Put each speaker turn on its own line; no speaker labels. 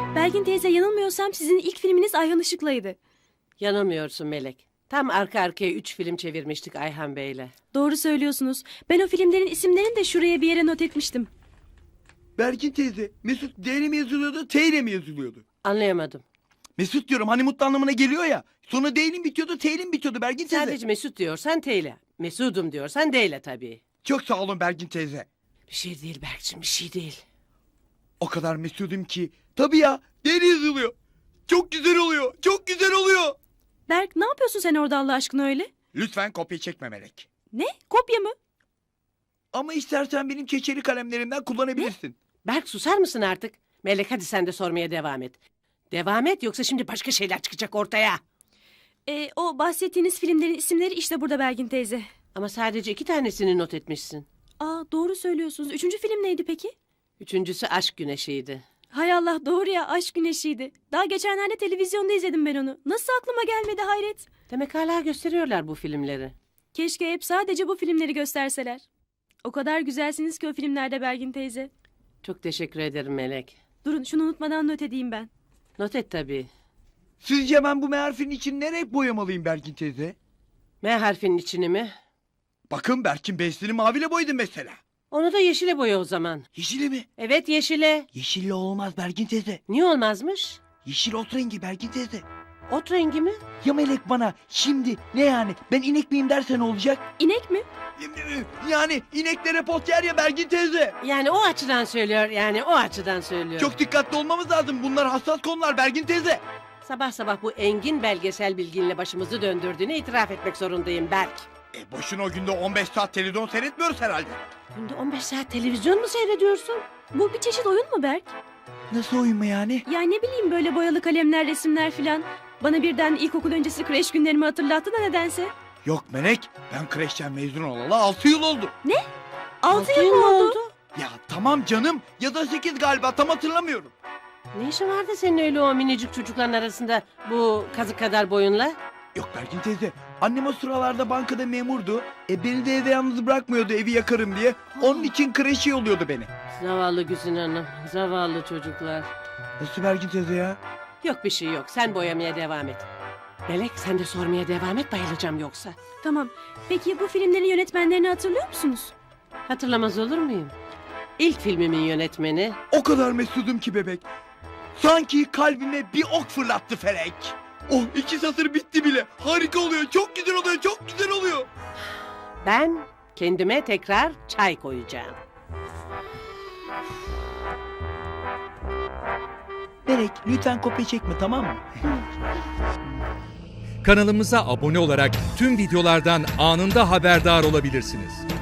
Belgin teyze, yanılmıyorsam sizin ilk filminiz Ayhan Işık'laydı.
Yanılmıyorsun Melek. Tam arka arkaya 3 film çevirmiştik Ayhan Bey'le.
Doğru söylüyorsunuz. Ben o filmlerin isimlerini de şuraya bir yere not etmiştim.
Bergin teyze, Mesut D ile mi yazılıyordu, T ile mi yazılıyordu?
Anlayamadım.
Mesut diyorum, hani mutlu anlamına geliyor ya. Sonu D ile mi bitiyordu, T ile mi bitiyordu Bergin teyze?
Sadece Mesut diyorsan T ile. Mesudum diyorsan D ile tabii.
Çok sağ olun Bergin teyze.
Bir şey değil Berk'cim, bir şey değil.
O kadar mesudum ki. Tabii ya, D ile yazılıyor. Çok güzel oluyor, çok güzel oluyor.
Berk, ne yapıyorsun sen orada Allah aşkına öyle?
Lütfen kopya çekme Melek.
Ne? Kopya mı?
Ama istersen benim keçeli kalemlerimden kullanabilirsin.
Berk, susar mısın artık? Melek, hadi sen de sormaya devam et. Devam et, yoksa şimdi başka şeyler çıkacak ortaya.
O bahsettiğiniz filmlerin isimleri işte burada Belgin teyze.
Ama sadece 2 tanesini not etmişsin.
Aa, doğru söylüyorsunuz. 3. film neydi peki?
3.'sü Aşk Güneşi'ydi.
Hay Allah, doğru ya, Aşk Güneşi'ydi. Daha geçenlerde televizyonda izledim ben onu. Nasıl aklıma gelmedi, hayret.
Demek hala gösteriyorlar bu filmleri.
Keşke hep sadece bu filmleri gösterseler. O kadar güzelsiniz ki o filmlerde Belgin teyze.
Çok teşekkür ederim Melek.
Durun, şunu unutmadan not edeyim ben.
Not et tabii.
Sizce ben bu M harfinin için ne renk boyamalıyım Bergin teyze?
M harfinin içini mi?
Bakın Berk'in B'sini maviyle boyadım mesela.
Onu da yeşile boya o zaman.
Yeşili mi?
Evet, yeşile.
Yeşille olmaz Bergin teyze.
Niye olmazmış?
Yeşil ot rengi Bergin teyze.
Ot rengi mi?
Ya Melek bana şimdi ne yani, ben inek miyim derse ne olacak?
İnek mi?
Yani ineklere pot yer ya Bergin teyze.
Yani o açıdan söylüyor.
Çok dikkatli olmamız lazım, bunlar hassas konular Bergin teyze.
Sabah sabah bu engin belgesel bilginle başımızı döndürdüğünü itiraf etmek zorundayım Berk.
Boşuna o günde 15 saat televizyon seyretmiyoruz herhalde.
Günde 15 saat televizyon mu seyrediyorsun?
Bu bir çeşit oyun mu Berk?
Nasıl oyun mu yani?
Ya ne bileyim, böyle boyalı kalemler, resimler filan. Bana birden ilkokul öncesi kreş günlerimi hatırlattı da nedense.
Yok Melek, ben kreşten mezun olalı 6 yıl oldu.
6 yıl mı oldu?
Ya tamam canım, ya da 8 galiba, tam hatırlamıyorum.
Ne işin vardı senin öyle o minicik çocukların arasında bu kazık kadar boyunla?
Yok Bergin teyze, annem o sıralarda bankada memurdu. Beni de evde yalnız bırakmıyordu, evi yakarım diye. Onun için kreşe yolluyordu beni.
Zavallı Güzin Hanım, zavallı çocuklar.
Nasıl Bergin teyze ya?
Yok bir şey yok, sen boyamaya devam et. Melek, sen de sormaya devam et, bayılacağım yoksa.
Tamam. Peki bu filmlerin yönetmenlerini hatırlıyor musunuz?
Hatırlamaz olur muyum? İlk filmimin yönetmeni
O kadar mesudum ki bebek. Sanki kalbime bir ok fırlattı felek. Oh, 2 satır bitti bile. Harika oluyor, çok güzel oluyor, çok güzel oluyor.
ben, kendime tekrar çay koyacağım.
Melek, lütfen kopya çekme, tamam mı?
Kanalımıza abone olarak tüm videolardan anında haberdar olabilirsiniz.